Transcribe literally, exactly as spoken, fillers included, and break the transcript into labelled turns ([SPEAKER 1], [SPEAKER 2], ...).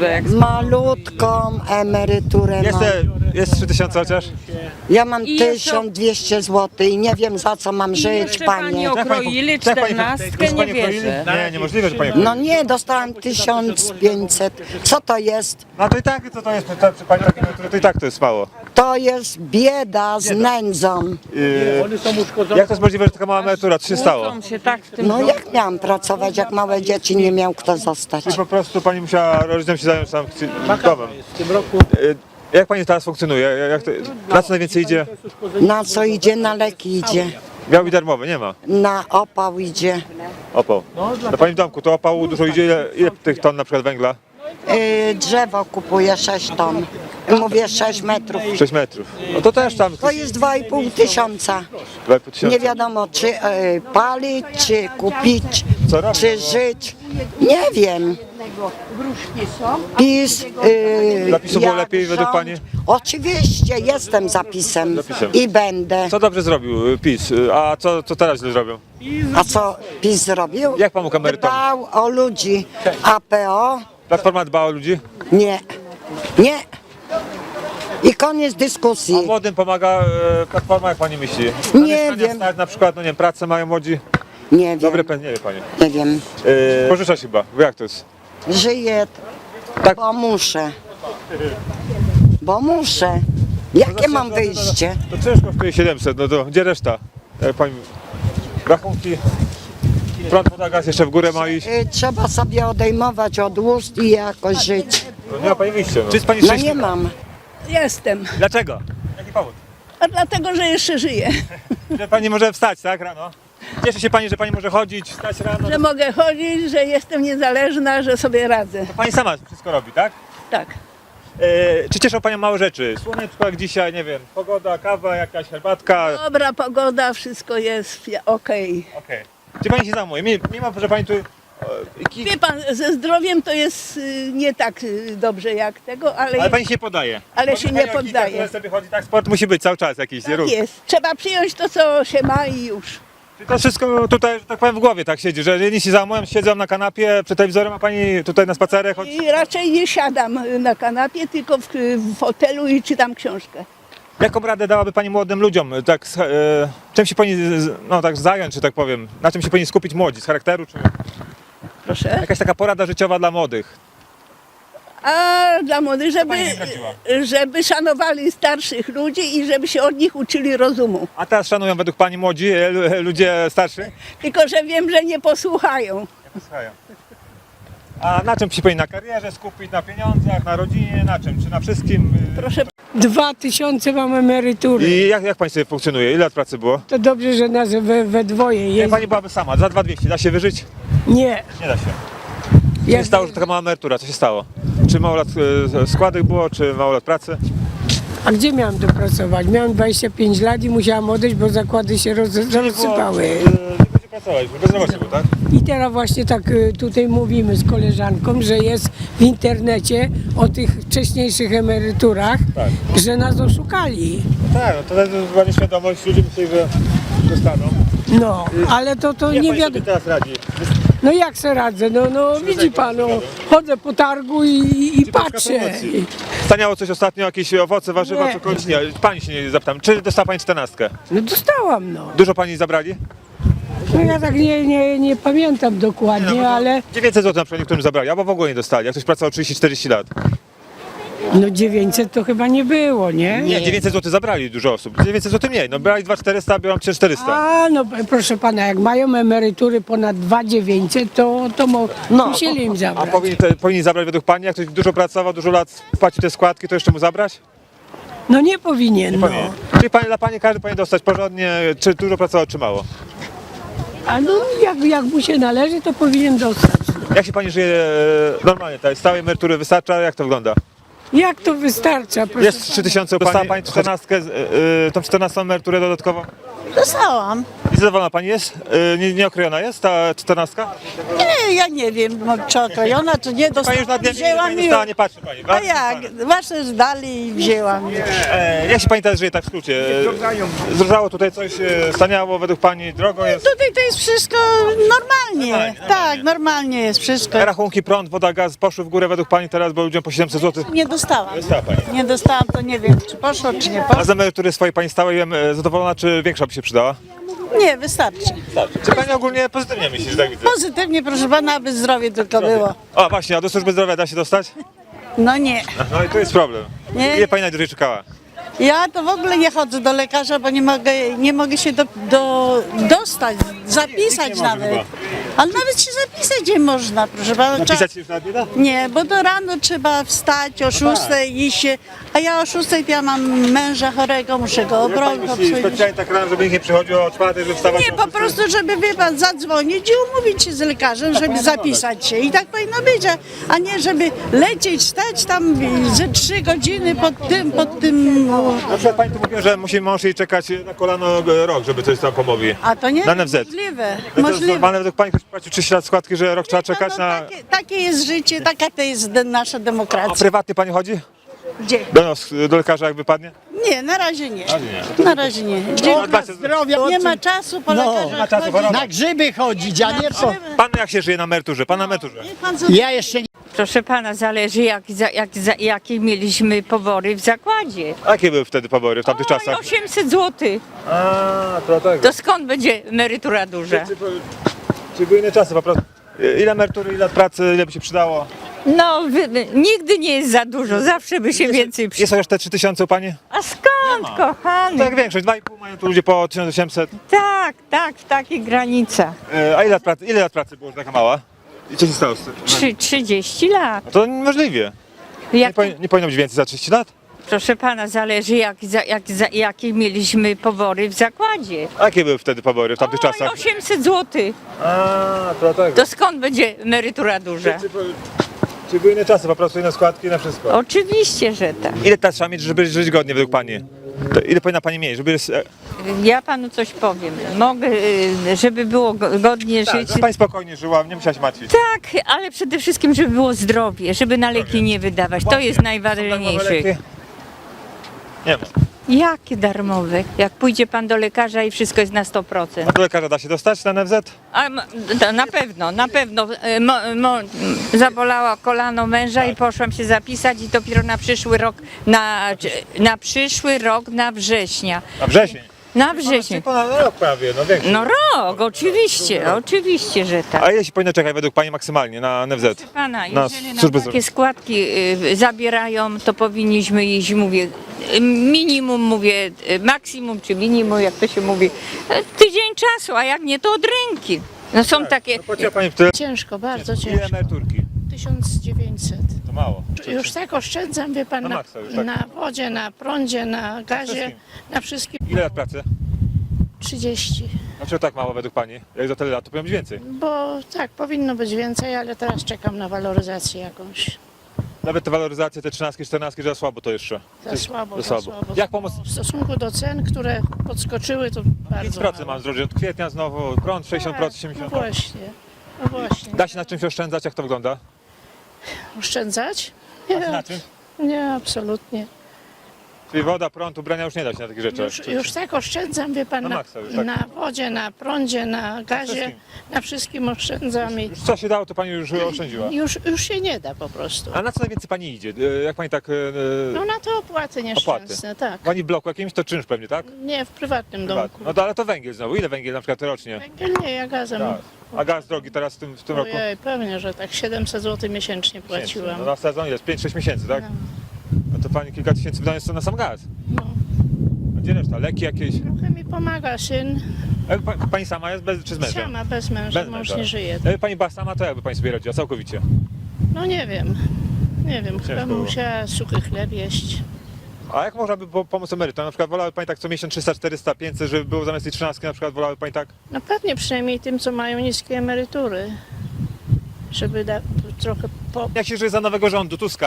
[SPEAKER 1] Malutką emeryturę
[SPEAKER 2] Jest,
[SPEAKER 1] mam.
[SPEAKER 2] jest trzy tysiące chociaż?
[SPEAKER 1] Ja mam
[SPEAKER 3] I jeszcze-
[SPEAKER 1] tysiąc dwieście złotych i nie wiem za co mam
[SPEAKER 3] I
[SPEAKER 1] żyć,
[SPEAKER 3] jeszcze pani
[SPEAKER 1] panie.
[SPEAKER 3] okroili
[SPEAKER 2] Tak pani-
[SPEAKER 3] czternastkę,
[SPEAKER 2] już
[SPEAKER 3] nie
[SPEAKER 2] pani okroili?
[SPEAKER 3] wierzę.
[SPEAKER 2] Nie, niemożliwe, że pani
[SPEAKER 1] No nie, dostałam tysiąc pięćset. Co to jest?
[SPEAKER 2] No to i tak, co to jest, to, przy pani takiej emerytury, to i tak to jest mało.
[SPEAKER 1] To jest bieda z nędzą.
[SPEAKER 2] Yy,
[SPEAKER 4] One są uszkodzone.
[SPEAKER 2] jak to jest możliwe, że taka mała emerytura? Co się stało?
[SPEAKER 3] Muszą się tak w tym
[SPEAKER 1] No jak miałam pracować, jak małe dzieci nie miał kto zostać?
[SPEAKER 2] Czy po prostu pani musiała rodzicom się zająć sam domem?
[SPEAKER 4] W tym roku
[SPEAKER 2] Yy, jak pani teraz funkcjonuje? Jak to, na co najwięcej idzie?
[SPEAKER 1] Na co idzie? Na leki idzie.
[SPEAKER 2] Biały i darmowy, nie ma.
[SPEAKER 1] Na opał idzie.
[SPEAKER 2] Opał. No pani w domku, to opału dużo idzie, ile, ile tych ton na przykład węgla?
[SPEAKER 1] Yy, drzewo kupuję sześć ton. Mówię sześć metrów.
[SPEAKER 2] sześć metrów. No to też tam
[SPEAKER 1] To jest dwa i pół tysiąca.
[SPEAKER 2] dwa i pół tysiąca.
[SPEAKER 1] Nie wiadomo czy yy, palić, czy kupić,
[SPEAKER 2] Co robić?
[SPEAKER 1] czy żyć. Nie wiem. PiS. Yy,
[SPEAKER 2] Zapisu było
[SPEAKER 1] jak
[SPEAKER 2] lepiej według
[SPEAKER 1] rząd-
[SPEAKER 2] pani?
[SPEAKER 1] Oczywiście, jestem zapisem,
[SPEAKER 2] Zapisem.
[SPEAKER 1] i będę.
[SPEAKER 2] Co dobrze zrobił y, PiS, y, a co, co teraz źle zrobią?
[SPEAKER 1] A co PiS zrobił?
[SPEAKER 2] Jak pomógł emerytom?
[SPEAKER 1] Dbał o ludzi. A P O?
[SPEAKER 2] Platforma dba o ludzi?
[SPEAKER 1] Nie. Nie. I koniec
[SPEAKER 2] A
[SPEAKER 1] dyskusji.
[SPEAKER 2] młodym pomaga e, Platforma, jak pani myśli?
[SPEAKER 1] Nie
[SPEAKER 2] Mieszkania
[SPEAKER 1] wiem.
[SPEAKER 2] Stać, na przykład, no nie wiem, pracę mają młodzi.
[SPEAKER 1] Nie wiem.
[SPEAKER 2] Dobry pen, nie wie pani.
[SPEAKER 1] Nie wiem.
[SPEAKER 2] E, pożyczać chyba, bo jak to jest?
[SPEAKER 1] Żyję,
[SPEAKER 2] Tak.
[SPEAKER 1] bo muszę. Bo muszę. Jakie mam wyjście?
[SPEAKER 2] To ciężko kosztuje siedemset, no to gdzie reszta? Jak pani... Rachunki, prąd, woda, gaz jeszcze w górę ma iść.
[SPEAKER 1] Y, Trzeba sobie odejmować od ust i jakoś żyć.
[SPEAKER 2] No nie ma pani wyjścia, no. Czy jest pani
[SPEAKER 1] No
[SPEAKER 2] szczęśliwa?
[SPEAKER 1] nie mam.
[SPEAKER 5] Jestem,
[SPEAKER 2] Dlaczego? Jaki powód?
[SPEAKER 5] a dlatego, że jeszcze żyję,
[SPEAKER 2] Że pani może wstać, tak, rano? Cieszy się pani, że pani może chodzić, wstać rano.
[SPEAKER 5] że mogę chodzić, że jestem niezależna, że sobie radzę.
[SPEAKER 2] Pani sama wszystko robi, tak?
[SPEAKER 5] Tak.
[SPEAKER 2] E, czy cieszą panią małe rzeczy? Słoneczko jak dzisiaj, nie wiem, pogoda, kawa, jakaś herbatka.
[SPEAKER 5] Dobra pogoda, wszystko jest okej.
[SPEAKER 2] Okej. Czy pani się zajmuje? Mimo, mimo że pani tu... e, ki-
[SPEAKER 5] Wie pan, ze zdrowiem to jest y, nie tak y, dobrze jak tego, ale,
[SPEAKER 2] Ale pani się nie podaje.
[SPEAKER 5] Ale
[SPEAKER 2] Bo
[SPEAKER 5] się
[SPEAKER 2] pani
[SPEAKER 5] nie
[SPEAKER 2] o kilka,
[SPEAKER 5] poddaje.
[SPEAKER 2] które sobie chodzi, tak, sport musi być cały czas jakiś, nie
[SPEAKER 5] tak
[SPEAKER 2] ruch.
[SPEAKER 5] jest. Trzeba przyjąć to, co się ma i już.
[SPEAKER 2] Czy to wszystko tutaj, że tak powiem, w głowie tak siedzi, że jedni się zajmują, siedzą na kanapie przed telewizorem, a pani tutaj na spacerek chodzi?
[SPEAKER 5] I raczej nie siadam y, na kanapie, tylko w, w fotelu i czytam książkę.
[SPEAKER 2] Jaką radę dałaby pani młodym ludziom? Tak, z- e, czym się pani z- no, tak zająć, że tak powiem? Na czym się powinni skupić młodzi? Z charakteru? Czy
[SPEAKER 5] Proszę.
[SPEAKER 2] jakaś taka porada życiowa dla młodych?
[SPEAKER 5] A dla młodych, żeby,
[SPEAKER 2] pani nie zdradziła?
[SPEAKER 5] żeby szanowali starszych ludzi i żeby się od nich uczyli rozumu.
[SPEAKER 2] A teraz szanują według pani młodzi, e, lu- ludzie starszy?
[SPEAKER 5] Tylko że wiem, że nie posłuchają.
[SPEAKER 2] Słuchają. A na czym się powinni? Na karierze skupić, na pieniądzach, na rodzinie, na czym? Czy na wszystkim?
[SPEAKER 5] Proszę
[SPEAKER 6] Dwa tysiące mam emerytury.
[SPEAKER 2] I jak, jak pani sobie funkcjonuje? Ile lat pracy było?
[SPEAKER 6] To dobrze, że nas we, we dwoje
[SPEAKER 2] Jak
[SPEAKER 6] jest.
[SPEAKER 2] pani byłaby sama, za dwa dwieście, da się wyżyć?
[SPEAKER 6] Nie.
[SPEAKER 2] Nie da się. Co
[SPEAKER 6] Ja,
[SPEAKER 2] się stało, że taka mała emerytura? Co się stało? Czy mało lat e, składek było, czy mało lat pracy?
[SPEAKER 6] a gdzie miałam to pracować? Miałam dwadzieścia pięć lat i musiałam odejść, bo zakłady się roz, rozsypały.
[SPEAKER 2] E, Nie będzie pracować, bezrobocie było, tak?
[SPEAKER 6] I teraz właśnie tak y, tutaj mówimy z koleżanką, że jest w internecie o tych wcześniejszych emeryturach,
[SPEAKER 2] Tak.
[SPEAKER 6] że nas oszukali.
[SPEAKER 2] Tak, no to jest chyba nieświadomość, ludzie myśleli, że dostaną.
[SPEAKER 6] No, ale to, to
[SPEAKER 2] Jak
[SPEAKER 6] nie
[SPEAKER 2] pani sobie
[SPEAKER 6] wiadomo.
[SPEAKER 2] teraz radzi?
[SPEAKER 6] No jak se radzę? No, no widzi pan, no, chodzę po targu i, i
[SPEAKER 2] Czy polska
[SPEAKER 6] patrzę.
[SPEAKER 2] promocji? Staniało coś ostatnio, jakieś owoce, warzywa,
[SPEAKER 6] Nie.
[SPEAKER 2] cokolwiek? Nie, pani się nie zapytam. Czy dostała pani czternastkę?
[SPEAKER 6] No dostałam, no.
[SPEAKER 2] Dużo pani zabrali?
[SPEAKER 6] No ja tak nie, nie, nie pamiętam dokładnie, ale
[SPEAKER 2] dziewięćset złotych na przykład niektórym zabrali, albo w ogóle nie dostali, jak ktoś pracował trzydzieści czterdzieści lat.
[SPEAKER 6] no dziewięćset to chyba nie było, nie?
[SPEAKER 2] Nie, dziewięćset złotych zabrali dużo osób. dziewięćset złotych mniej, no brali dwa tysiące czterysta, biorą trzy tysiące czterysta.
[SPEAKER 6] A, no proszę pana, jak mają emerytury ponad dwa tysiące dziewięćset, to, to mo, musieli im
[SPEAKER 2] A
[SPEAKER 6] zabrać.
[SPEAKER 2] powinni, te, powinni zabrać według pani, jak ktoś dużo pracował, dużo lat płaci te składki, to jeszcze mu zabrać?
[SPEAKER 6] No nie powinien, no.
[SPEAKER 2] Powinien. Czyli pani, dla pani każdy powinien dostać porządnie, czy dużo pracował, czy mało.
[SPEAKER 6] A no jak, jak mu się należy, to powinien dostać.
[SPEAKER 2] Jak się pani żyje e, normalnie, tej stałej emerytury wystarcza, jak to wygląda?
[SPEAKER 6] Jak to wystarcza? Proszę
[SPEAKER 2] Jest trzy tysiące, dostała pani czternastkę, y, y, tą czternastą emeryturę dodatkowo?
[SPEAKER 3] Dostałam.
[SPEAKER 2] I zadowolona pani jest? Y, nie, nieokrojona jest ta czternastka?
[SPEAKER 3] Nie, ja nie wiem, no, czy okrojona, czy nie.
[SPEAKER 2] Pani już
[SPEAKER 3] Dostałam,
[SPEAKER 2] na dnie
[SPEAKER 3] wzięłam
[SPEAKER 2] nie
[SPEAKER 3] i...
[SPEAKER 2] dostała, nie patrzy pani.
[SPEAKER 3] A
[SPEAKER 2] Bardzo
[SPEAKER 3] jak?
[SPEAKER 2] zostanę.
[SPEAKER 3] Właśnie zdali i wzięłam.
[SPEAKER 2] E, jak się pani teraz żyje tak w skrócie? E, Zdrożało tutaj coś, e, staniało według pani, drogo jest?
[SPEAKER 3] Tutaj to jest wszystko normalnie.
[SPEAKER 2] Normalnie,
[SPEAKER 3] Tak, normalnie jest wszystko.
[SPEAKER 2] Rachunki, prąd, woda, gaz poszły w górę według pani teraz, bo ludziom po siedemset złotych.
[SPEAKER 3] Nie dostałam.
[SPEAKER 2] Dostała pani.
[SPEAKER 3] Nie dostałam, to nie wiem, czy poszło, czy nie
[SPEAKER 2] A
[SPEAKER 3] poszło.
[SPEAKER 2] z emerytury swojej pani stałej e, zadowolona, czy większa by się przydała?
[SPEAKER 3] Nie, wystarczy.
[SPEAKER 2] Czy pani ogólnie pozytywnie myśli, że tak widzę?
[SPEAKER 3] Pozytywnie, proszę pana, aby zdrowie tylko było.
[SPEAKER 2] O właśnie, a do służby zdrowia da się dostać?
[SPEAKER 3] No nie.
[SPEAKER 2] No i tu jest problem.
[SPEAKER 3] Nie.
[SPEAKER 2] Ile pani najdłużej czekała?
[SPEAKER 3] Ja to w ogóle nie chodzę do lekarza, bo nie mogę, nie mogę się do, do, dostać, zapisać
[SPEAKER 2] może
[SPEAKER 3] nawet.
[SPEAKER 2] chyba.
[SPEAKER 3] Ale nawet się zapisać nie można, proszę pana. Trzeba-
[SPEAKER 2] Napisać się już nawet nie da?
[SPEAKER 3] Nie, bo do rano trzeba wstać o szóstej iść się, a ja o szóstej to ja mam męża chorego, muszę go
[SPEAKER 2] Jak pani
[SPEAKER 3] obrobić,
[SPEAKER 2] myśli,
[SPEAKER 3] obsługić.
[SPEAKER 2] specjalnie tak rano, żeby nikt nie przychodził o czwartej, żeby wstawać
[SPEAKER 3] Nie,
[SPEAKER 2] o
[SPEAKER 3] po
[SPEAKER 2] szóstej?
[SPEAKER 3] prostu, żeby wie pan, zadzwonić i umówić się z lekarzem, żeby zapisać się. I tak powinno być, a, a nie żeby lecieć, stać tam ze trzy godziny pod tym, pod tym.
[SPEAKER 2] Na przykład pani tu mówiła, że musi mąż jej czekać na kolano e, rok, żeby coś tam pomogli.
[SPEAKER 3] A to nie
[SPEAKER 2] Na N F Z.
[SPEAKER 3] możliwe.
[SPEAKER 2] No to jest
[SPEAKER 3] możliwe.
[SPEAKER 2] normalne według pani, ktoś płacił trzydzieści lat składki, że rok trzeba czekać
[SPEAKER 3] no,
[SPEAKER 2] na...
[SPEAKER 3] takie, takie jest życie, taka to jest de- nasza
[SPEAKER 2] A
[SPEAKER 3] demokracja.
[SPEAKER 2] prywatnie pani chodzi?
[SPEAKER 3] Gdzie?
[SPEAKER 2] Do nas, do lekarza jak wypadnie?
[SPEAKER 3] Nie, na razie nie.
[SPEAKER 2] nie.
[SPEAKER 3] Na razie nie. Dziękuję.
[SPEAKER 2] Dbacie-
[SPEAKER 3] Nie ma czasu po
[SPEAKER 4] No,
[SPEAKER 3] lekarzach
[SPEAKER 2] ma czasu
[SPEAKER 3] chodzić.
[SPEAKER 2] chorować.
[SPEAKER 4] Na grzyby chodzić, a nie co?
[SPEAKER 2] Pan jak się żyje na emeryturze? Pan na emeryturze?
[SPEAKER 3] Niech pan
[SPEAKER 4] Ja jeszcze nie.
[SPEAKER 7] Proszę pana, zależy jak, za, jak, za, jakie mieliśmy pobory w zakładzie.
[SPEAKER 2] A jakie były wtedy pobory w tamtych
[SPEAKER 7] Oj,
[SPEAKER 2] czasach?
[SPEAKER 7] osiemset złotych.
[SPEAKER 2] A, to tak.
[SPEAKER 7] To skąd będzie emerytura duża?
[SPEAKER 2] Czy, czy były inne czasy po prostu? Ile emerytury, ile lat pracy, ile by się przydało?
[SPEAKER 7] No, wy, wy- nigdy nie jest za dużo, zawsze by się więcej przydało.
[SPEAKER 2] Jest chociaż te trzy tysiące u pani?
[SPEAKER 7] A skąd, kochany?
[SPEAKER 2] Tak jak większość, dwa i pół mają tu ludzie po tysiąc osiemset.
[SPEAKER 7] Tak, tak, w takich granicach.
[SPEAKER 2] E, A ile lat pracy, ile lat pracy było, że taka mała? I co się stało z tym?
[SPEAKER 7] Trzy, trzydzieści lat.
[SPEAKER 2] No to niemożliwie. Nie,
[SPEAKER 7] Jak,
[SPEAKER 2] powin- nie powinno być więcej za trzydzieści lat?
[SPEAKER 7] proszę pana, zależy jak, za, jak, za, jakie mieliśmy pobory w zakładzie.
[SPEAKER 2] A jakie były wtedy pobory w tamtych
[SPEAKER 7] Oj,
[SPEAKER 2] czasach?
[SPEAKER 7] osiemset złotych.
[SPEAKER 2] A, to tak.
[SPEAKER 7] To skąd będzie emerytura duża?
[SPEAKER 2] Czy, czy były inne czasy, po prostu inne składki na wszystko?
[SPEAKER 7] Oczywiście, że tak.
[SPEAKER 2] Ile teraz trzeba mieć, żeby żyć godnie według pani? To ile powinna pani mieć, żeby... e,
[SPEAKER 7] Ja panu coś powiem. Mogę, y, żeby było go- godnie
[SPEAKER 2] Tak,
[SPEAKER 7] żyć.
[SPEAKER 2] żeby pani spokojnie żyła, nie musiała się martwić.
[SPEAKER 7] Tak, ale przede wszystkim, żeby było zdrowie, żeby na leki nie wydawać. To jest najważniejsze.
[SPEAKER 2] Nie ma.
[SPEAKER 7] Jakie darmowe? Jak pójdzie pan do lekarza i wszystko jest na sto
[SPEAKER 2] A
[SPEAKER 7] procent.
[SPEAKER 2] do lekarza da się dostać na N F Z?
[SPEAKER 7] A m- to na pewno, na pewno. E, Mo, mo, zabolała kolano męża i poszłam się zapisać i dopiero na przyszły rok, na, na przyszły rok, na września.
[SPEAKER 2] Na wrzesień.
[SPEAKER 7] Na wrześniu.
[SPEAKER 2] Ponad rok prawie, no większy.
[SPEAKER 7] No rok, oczywiście, oczywiście, że tak.
[SPEAKER 2] A ile się powinno czekać według pani maksymalnie na N F Z?
[SPEAKER 7] Pana,
[SPEAKER 2] Na
[SPEAKER 7] jeżeli nam
[SPEAKER 2] służbę
[SPEAKER 7] takie składki y, zabierają, to powinniśmy iść, mówię, y, minimum, mówię, y, maksimum czy minimum, jak to się mówi, y, tydzień czasu, a jak nie, to od ręki. No są takie,
[SPEAKER 2] No płaciła pani w tyle?
[SPEAKER 8] Ciężko, bardzo
[SPEAKER 2] Ile
[SPEAKER 8] ciężko.
[SPEAKER 2] emeryturki?
[SPEAKER 8] tysiąc dziewięćset.
[SPEAKER 2] To mało.
[SPEAKER 8] Już tak oszczędzam, wie pan,
[SPEAKER 2] Na
[SPEAKER 8] na,
[SPEAKER 2] maksa już, tak.
[SPEAKER 8] na wodzie, na prądzie, na gazie,
[SPEAKER 2] wszystkim.
[SPEAKER 8] na wszystkim.
[SPEAKER 2] Ile lat pracy?
[SPEAKER 8] trzydzieści.
[SPEAKER 2] Dlaczego tak mało według pani? Jak za tyle lat, to powinno być więcej.
[SPEAKER 8] Bo tak, powinno być więcej, ale teraz czekam na waloryzację jakąś.
[SPEAKER 2] Nawet te waloryzacje, te trzynastki, czternastki, że za słabo to jeszcze.
[SPEAKER 8] Za słabo,
[SPEAKER 2] za
[SPEAKER 8] za
[SPEAKER 2] słabo.
[SPEAKER 8] słabo.
[SPEAKER 2] Jak pomóc?
[SPEAKER 8] W stosunku do cen, które podskoczyły, to
[SPEAKER 2] pięć
[SPEAKER 8] bardzo
[SPEAKER 2] procent
[SPEAKER 8] mało.
[SPEAKER 2] mam zdrowie od kwietnia znowu, prąd sześćdziesiąt procent,
[SPEAKER 8] Tak,
[SPEAKER 2] siedemdziesiąt
[SPEAKER 8] no
[SPEAKER 2] procent.
[SPEAKER 8] właśnie, no właśnie.
[SPEAKER 2] Da się na czymś oszczędzać, jak to wygląda?
[SPEAKER 8] Oszczędzać?
[SPEAKER 2] Da się na
[SPEAKER 8] Nie,
[SPEAKER 2] czym?
[SPEAKER 8] nie, absolutnie.
[SPEAKER 2] Czyli woda, prąd, ubrania już nie da się na takich rzeczach.
[SPEAKER 8] Już, już tak oszczędzam, wie pan,
[SPEAKER 2] Na
[SPEAKER 8] na,
[SPEAKER 2] maksa już, tak.
[SPEAKER 8] na wodzie, na prądzie, na gazie,
[SPEAKER 2] wszystkim.
[SPEAKER 8] na wszystkim oszczędzam i
[SPEAKER 2] Już co się dało, to pani już oszczędziła.
[SPEAKER 8] już, już się nie da po prostu.
[SPEAKER 2] A na co najwięcej pani idzie? E, Jak pani tak... e,
[SPEAKER 8] No na te opłaty nieszczęsne, tak.
[SPEAKER 2] Pani w bloku jakimś to czynsz pewnie, tak?
[SPEAKER 8] Nie, w prywatnym domku.
[SPEAKER 2] No to, ale to węgiel znowu. Ile węgiel na przykład rocznie?
[SPEAKER 8] Węgiel nie, ja gazem.
[SPEAKER 2] Tak. A gaz drogi teraz w tym, w tym roku?
[SPEAKER 8] Ojej, pewnie, że tak siedemset złotych miesięcznie płaciłam.
[SPEAKER 2] No na sezon jest pięć sześć miesięcy, tak? No to pani kilka tysięcy wydaje jest to na sam gaz.
[SPEAKER 8] No.
[SPEAKER 2] A gdzie reszta? Leki jakieś?
[SPEAKER 8] Trochę mi pomaga syn.
[SPEAKER 2] E, Pa, pani sama jest bez, czy z mężem?
[SPEAKER 8] Sama, bez męża,
[SPEAKER 2] Bez
[SPEAKER 8] mąż
[SPEAKER 2] męża.
[SPEAKER 8] nie żyje.
[SPEAKER 2] E, Pani była sama, to jakby pani sobie radziła całkowicie?
[SPEAKER 8] No nie wiem, nie wiem, chyba
[SPEAKER 2] było.
[SPEAKER 8] musiała suchy chleb jeść.
[SPEAKER 2] A jak można by po- pomóc emerytom? Na przykład wolałaby pani tak co miesiąc trzysta, czterysta, pięćset, żeby było zamiast tej trzynastki na przykład wolałaby pani tak?
[SPEAKER 8] No pewnie przynajmniej tym, co mają niskie emerytury. Żeby da, trochę po,
[SPEAKER 2] Jak się żyje za nowego rządu, Tuska?